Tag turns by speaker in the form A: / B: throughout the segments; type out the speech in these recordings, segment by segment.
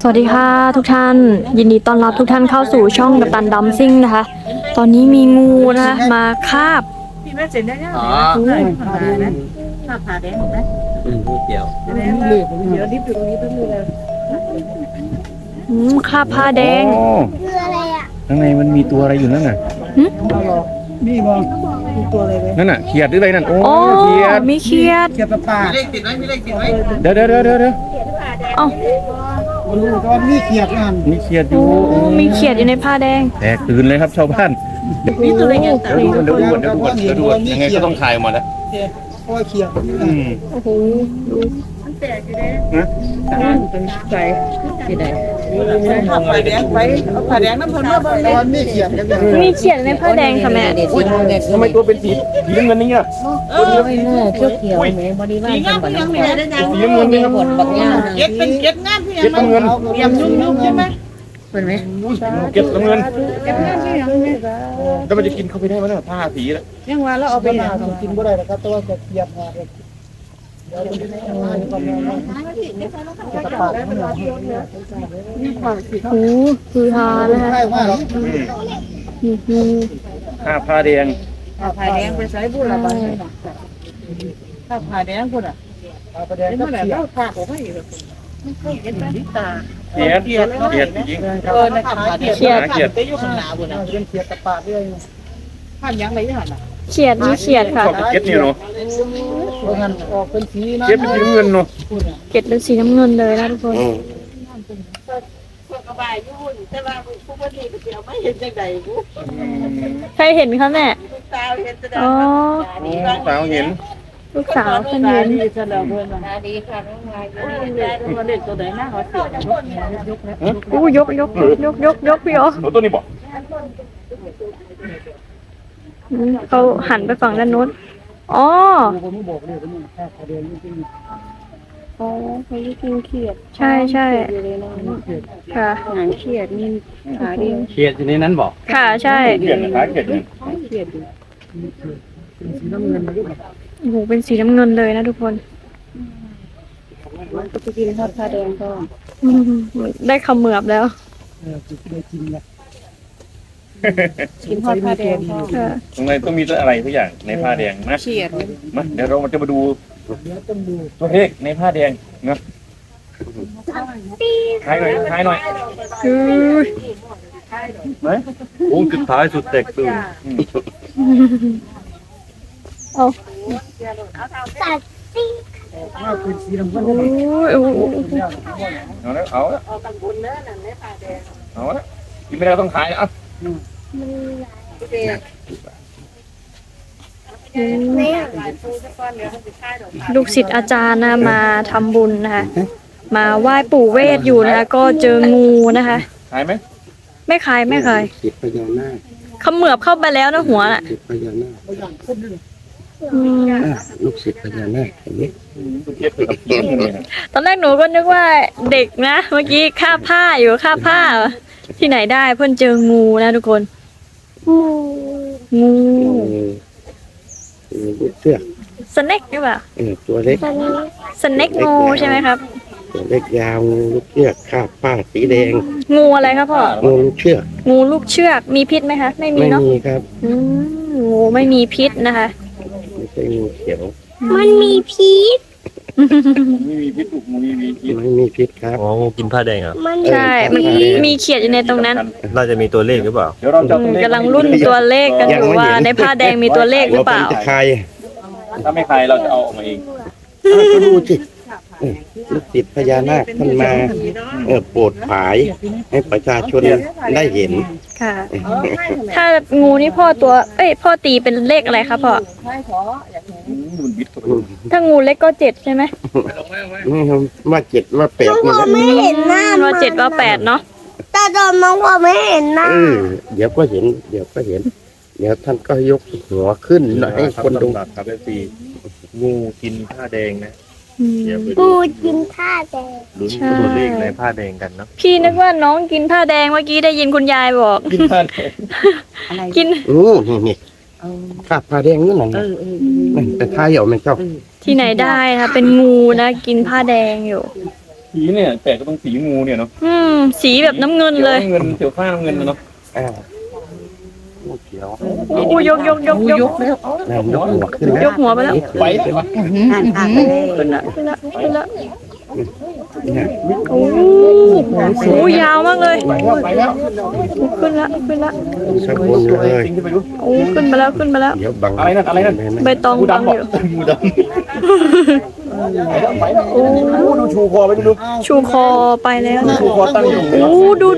A: วัสดีค่ะทุกท่านยินดีต้อนรับทุกท่านเข้าสู่ช่องกัปตันดัมซิ่งนะคะตอนนี้มีงูนะมาคาบ
B: พี่แม่เจ๋งได้ยังไงผ่าแดงนะผ่าแดงถูกไหม
C: เกี่ยว
B: เดี๋ยวดิบอยู่ตรงนี้ต้องดูเลย
A: คาบผ้าแดง
D: คืออะไรอ่ะ
C: ข้างในมันมีตัวอะไรอยู่นั่นน่ะ
B: นี่มองมีตัวอะไรไหม
C: นั่นน่ะเขียดหรืออะไรนั่นโอ้
A: เขียดมีเขียด
B: ปลา
C: มีเลขติดไหมเดี๋ยว
A: เอ้า
B: ก็มีเขียดนั่น
C: มีเขียดอยู่
A: มีเขียดอยู่ในผ้าแดง
C: แตกตื่นเลยครับชาวบ้าน
B: นี่ตัวอะไรเงี้ย
C: เดี๋ยวดูยังไงก็ต้องถ่ายมาแล้ว
B: ก็เขียด
A: โอ้โห
B: มันแตกอยู่เลยเป็นใจที่ไหนผ่าแดงไปเอาผ่าแดงน้ำพนเมื่อบางเลยมีเขียด
A: มีเขียดในผ้าแดงค่ะแม่
C: ทำไมตัวเป็นสีน้ำเงินนี่อ่ะ
E: ตัวเขียวแม่บริวารจังหวัดน้องคาย
C: สีน้ำเงินนี่ครับ
E: บักย่า
B: เก็ดเป็นเก็ดงามพี่ยัง
C: น้ำเงิน
B: เตรียมยุ่งใช่ไหม
E: เป็นไหม
C: เก็บน้ำเงิน
B: เก็ดงามพี่ยัง
C: แล้วมันจะกินเข้าไปได้ไหมเนี่ยผ้าสีแล้ว
B: ยังว่าแล้วเอาไปกินบ่ได้นะครับแต่ว่าจะเทียบมาโอ้
A: คือฮานะคะ
C: ผ้าแดง
B: ผ้าแดงไปใช้บุญละบ้างผ้าแดงคุณอ่ะผ้าแดงก็แบบเราผ้าของไม่ไม่เคยเห็นไหมตา
C: เขียดจริง
B: นะคะเขียดไปอยู่ข้างหน้าบุญอ่ะเป็นเขียดตะปาดด้วยผ้ายังไงเนี่ยน่ะ
A: เขียดมีเขียดค่ะ
C: เก็ดนี่เนาะ
B: ออกเป็นสีนะ
C: เก็ดเป็นสีน้ำเงินเนาะ
A: เก็ดเป็นสีน้ำเงินเลยนะทุกคนใครเห็นคะแม่อ๋อ
C: สาวเห็น
A: ลูกสาวเพิ่นเห็น
E: ดีค่ะน้องวายเด็กตัวไหนหน้าเขาเสีย
A: ยกพี่อ๋อ
C: ตัวนี้บอก
A: เขาหันไปฝั่งด้านโน้นอ๋อ
E: เขากินเขียด
A: ใช่ค่ะ
E: หางเขียดมีขาเดียว
C: เขียดอยู่ในนั้นบอก
A: ค่ะใช่
C: เขียดขาเขียด
B: สีน้ำเงิน
A: โอ้โหเป็นสีน้ำเงินเลยนะทุกคน
E: ก็จะกินทอดผ้าแดงก็
A: ได้ขมือบแล้ว
E: กินทอดผ้าแดง
C: ตรงไหนต้องมีอะไรทุกอย่างในผ้าแดงนะ
E: เขียด
C: มาเดี๋ยวเราจะมาดูตัวเลขในผ้าแดงเนาะท้ายหน่อยไหนโอ้สุดท้ายสุดแตกตื่น
A: เอา
D: ตัดสิ
B: เป็นสีน้ำเงิน
C: เอาละกินไม่ได้ต้องขายอ่ะ
A: ลูกศิษย์อาจารย์นะมาทำบุญนะคะมาไหว้ปู่เวทอยู่นะคะก็เจองูนะคะ
C: ขายไหม
A: ไม่ขาย
C: จิตพญานาค
A: เขมือบเข้าไปแล้วนะหัวน่ะ
C: จิตพญานาคลูกศิษย์พญานาคเห็นไหม
A: ตอนแรกหนูก็นึกว่าเด็กนะเมื่อกี้คาบผ้าอยู่คาบผ้าที่ไหนได้เพื่อนเจองูนะทุกคนงู
C: ลูกเชือก
A: สเน็กหรือเปล่า
C: ตัวเล็ก
A: สเน็กงูใช่ไหมครับ
C: ตัวเล็กยาวลูกเชือกคาบผ้าสีแดง
A: งูอะไรครับพ่อ
C: งูลูกเชือก
A: งูลูกเชือกมีพิษไหมคะไม่มีเนาะ
C: ไม่มีครับ
A: งูไม่มีพิษนะคะ
C: ไม่ใช่งูเขียว
D: มันมีพิษ
C: ไม่มีพิษถูกงูไม่มีพิษครับ
F: อ๋องูกินผ้าแดงเหรอ
A: ใช่มันมีเขียดอยู่ในตรงนั้น
F: น่าจะมีตัวเลขหรือเปล่า
A: กำลังรุ่นตัวเลขกันอยู่ว่าในผ้าแดงมีตัวเลขหรือเปล่า
C: ถ้าไม่ใครเราจะเอาออกมาเอง
F: ก็ดูสิลูกศิษย์พญานาคท่านมาโปรดผายให้ประชาชนได้เห็น
A: ค่ะถ้างูนี่พ่อตีเป็นเลขอะไรครับพ่อถ้างูเล็กก็7ใช่ไหม
F: ว่า7ว่า8
D: พ่อไม่เห็นหน้า
A: ว่า7ว่า8เนาะ
D: แต่ตอนน้องพ่อไม่เห็นหน้า
F: เดี๋ยวก็เห็นเดี๋ยวท่านก็ยกหัวขึ้นให้คนดู
C: ครับปีงูกินผ้าแดงนะ
D: งูกินผ้าแดง
F: ลุ้นตัวเลขในผ้าแดงกันเนาะ
A: พี่นึกว่าน้องกินผ้าแดงเมื่อกี้ได้ยินคุณยายบอก
C: กินผ้าแดง
A: กิน
F: นี่คาบผ้าแดงนี่หนังแต่ท้ายเอาไม่เจ้า
A: ที่ไหนได้นะเป็นงูนะกินผ้าแดงอยู่
C: สีเนี่ยแปลกก็ต้องสีงูเนี่ยเนาะ
A: สีแบบน้ำเงินเลย
C: เงินเขียวฟ้าน้ำเงินเนาะ
F: งูเขียว
A: โอ้ยก
B: ยกแล้ว
F: นั่นยกหัวขึ้นแล้ว
A: ยกหัวไปแล้ว
C: ไปเลยปะ
A: ขึ้นละโอ้โหยาวมากเลย
C: ไปแล้ว
A: ขึ้นละ
F: สักคนเลย
C: จริงที่ไปดู
A: โอ้ขึ้นมาแล้ว
F: เดี๋ยวบัง
C: อะไรนั่น
A: ใบตอง
C: งู
A: บัง
C: ดำบ
A: อ
C: อก
A: ยู่
C: งูดำไปแล้วโอ้ดูชูคอไปดู
A: ชูคอไปแล้วนะ
C: ชูคอตั้งอยู่
A: โอ้ดู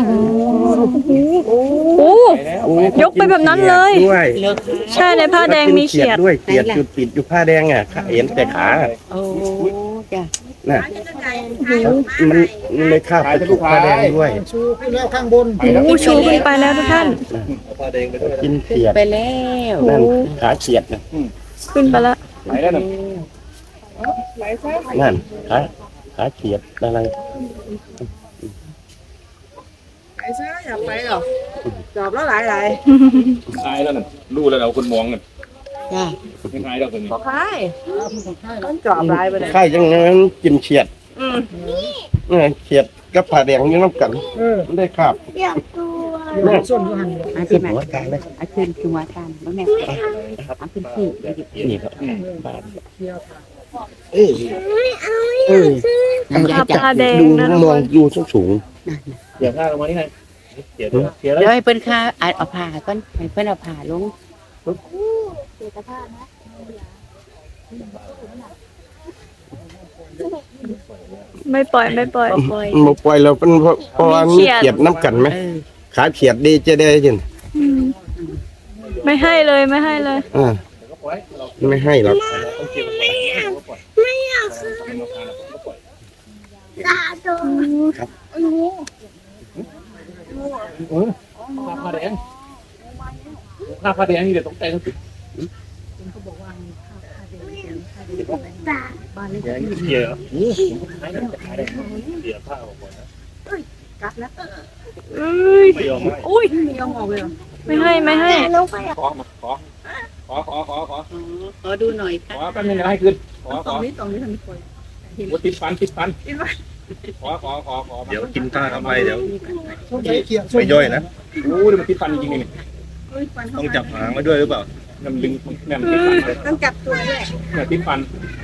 A: โอ้ยกไปแบบนั้นเลย
F: ด้วย
A: ใช่ในผ้าแดงมีเขียด
F: ด้วยเขียดจุดติดอยู่ผ้าแดงอ่ะเห็นแต่ขา
E: โอ้จ้ะ
F: น่ะมันเลยคาบไปถูกผ้าแดงด้วย
B: ชูขึ้นแล้วข้างบน
A: โอ้ชูขึ้นไปแล้วทุกท่าน
F: กินเขียด
E: ไปแล้ว
F: นั่นขาเขียดนะ
A: ขึ้นไปแล้ว
C: ไปแล้วน่ะ
F: นั่นขาเขียดอะไร
B: ไปซะอย่าไปหรอกจอบแล้วหลาย
C: อายแล้วน่ะรู้แล้วเราคนมองกัน
E: จ้ะ
C: ไม่อายเราคนนี้
B: ๆใช่ต้องจอบหลายไปเลย
F: ใช่จังนั้นกินเขียดเขียดกับผ้าแดงอยังน้ำกันไม่ได้คาบ
D: อยากดู
F: นั่น
B: ส่วนอยู่หัน
E: อา
F: ขึ้
E: ขึ้
F: น
E: นมา
F: หัวกลางเลย
E: อาขึ้นคือว่าการบ่แม่อาขึ้นที่
F: นี่ครับ
A: ผ้าแดง
F: ดู
A: นะ
F: มองดูสูง
C: เดี๋ยวข้าลงมาที่ไหนเสียแล้ว
E: เดี๋ยวให้เพิ่นค่าเอาผ้าก่อนให้เพิ่นเอาผ้าลง
A: ไม่ปล่อย
F: ๆมาปล่อยเราเป็นเพราะว่ามีเขียดน้ำกันไหมขาเขียดดีจะได้ยิน
A: ไม่ให้เลย
F: ไม่ให้หรอก
D: ตาโดน
C: ผ้าแดงผ้าแดงนี่เดี๋ยวต้องแต่งสิ
D: ตา
C: เสียเสียผ้าออกก่อนนะ
A: เอ้ย
C: ไม่ยอมให้
A: อุ้ย
B: ยอมออกเลยเหรอ
A: ไม่ให้
D: น้องไป
C: ขอมาขอ
E: ดูหน่อยค่ะ
C: แป๊บนึงนะให้ขึ้นขอ
B: ตรงนี้ทำไมป่วย
C: ติดฟันขอเดี๋ยวกินข้าวทำไมเดี๋ยว
B: ช่วงเขียด
C: ไม่ย่อยนะโอ้เดี๋ยวมันติดฟันจริงๆนี่ต้องจับหางไว้ด้วยหรือเปล่ามันดึงเนี่ยมันติดฟันเลย
B: ต้องจับตัวด้วย
C: เนี่ยติดฟัน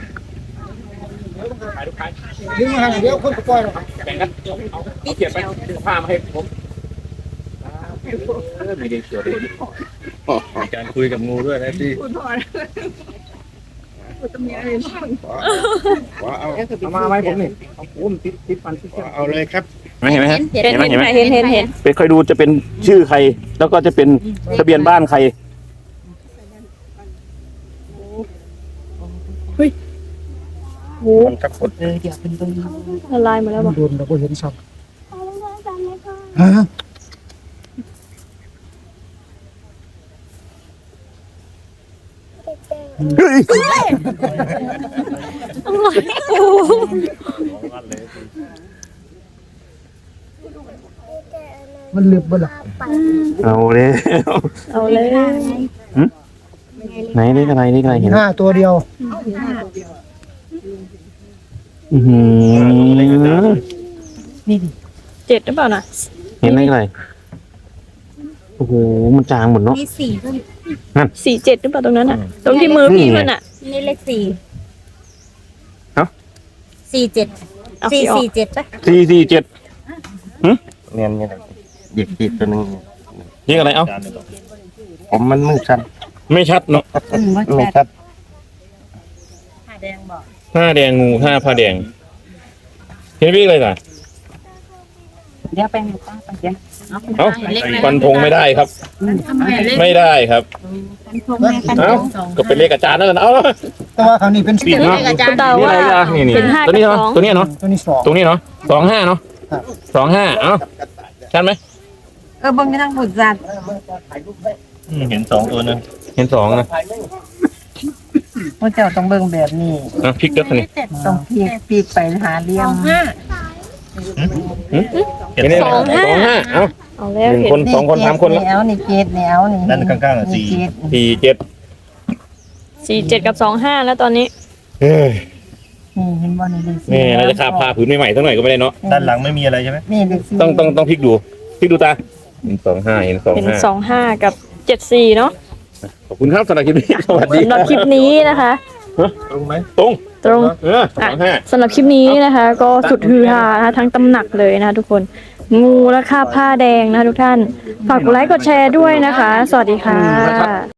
C: ขายลูกค้า
B: ดึงมาเดี๋ยวคนปล่อยหรอก
C: แบ่งกันเอาเขียนไปผ้ามาให้ผมไม่ได้เขียวเลยการคุยกับงูด้วยนะพี่
B: คุณพ่อจะมีอะไรบ้าง
C: เอามาให้ผมนี่เอาผมติดฟัน
F: เอาเลยครับ
C: เห็นไหมฮะ
A: เห็น
C: ไปค่อยดูจะเป็นชื่อใคร แล้วก็จะเป็นทะเบียนบ้านใคร
A: โอ้
F: มันสักคน
E: เดี๋ยวเพิ่นเบิ่ง
A: ละลายหมดแล้วบ่
B: โดนเราก็เห็นช็อต
D: ฮะ
B: มันลึกบ่ล่ะ
C: เอาเลย
A: เอาเลย
C: ไหนนี่อะไรเห็น
B: 5 ตัวเดียว
A: 7หรือเปล่าน่ะ
C: เห็นอะไรโอ้โหมันจางหมดเนาะ
D: มี4ด้วย
A: 47หรือเปล่าตรงนั้นน่ะ ตรงที่มือพี่มันน่ะ
D: นี่เลข4 47
A: เอาสิออก
D: 447ป่ะ
C: 447
F: เนี่ยเด็กติดตัวนึง
C: นี่อะไรเอ้า
F: ผมมันมืดชัน
C: ไม่ชัดเนาะ
E: ว่า
F: ไม่
E: จะ
F: ชัด
D: ผ้าแดงบอก
C: ผ้าแดงงูผ้าแดงเห็นพี่อะไรล่ะ
E: เดี๋ยวไปให้ป้าไปเดี๋ยว
C: เอ้าฟันธงไม่ได้ครับ ไม่ได้ครับ เอ้าก็เป็นเลขอาจารย์นั่นแหละเอ้า
B: แต่ว่าคราวนี้เป็น
C: ปิดเนาะ
A: แต่
C: นี่
A: ว่า
C: อะไรล่ะนี่
A: เป็น5
C: ตัวนี้
A: กับ
C: เนาะ
A: 2
C: ตัวนี้เนาะ
B: ตัวนี้2
C: ตรงนี้เนาะ25เนาะ25เอ้าชัดไหม
E: เบิ่งไม่ต้องบุดจัด
C: เห็น2ตัวนะเห็น2นะ
E: ว่าเจ้าต้องเบิ่งแบบนี้
C: พลิกด้วยนี่
E: ต้องปีกไปหาเลี่ยม
C: เห็นไหม25เอ้า
A: เอาแล้ว
C: 1
A: เห็
C: คน น2 คน3 คนแล้ว
E: แนวนี่เจ็ดแนวนี่
C: นั่นข้างๆอ่ะ47
A: 47กับ25แล้วตอนนี้
C: เฮ้ย
B: นี่เห็นบ่นี่เลข
C: นี่น่าจะคาบผ้าผืนใหม่ๆสักหน่อยก็ไม่ได้เนาะ
F: ด้านหลังไม่มีอะไรใช่ไหม
B: นี่เลขสี่
C: ต้องพลิกดูตาเห็น25เห็น
A: เป็น
C: 25
A: 25 กับ 74 เนาะ
C: ขอบคุณครับสำหรับคลิปนี้สวัสดี
A: สำหรับคลิปนี้นะคะ
F: ตรงไหม
C: ตรง
A: ตรง
C: 25
A: สำหรับคลิปนี้นะคะ ก็สุดฮือฮานะคะทั้งตำหนักเลยนะคะทุกคน งูและคาบผ้าแดงนะคะทุกท่าน ฝากกดไลค์กดแชร์ด้วยนะคะ สวัสดีค่ะ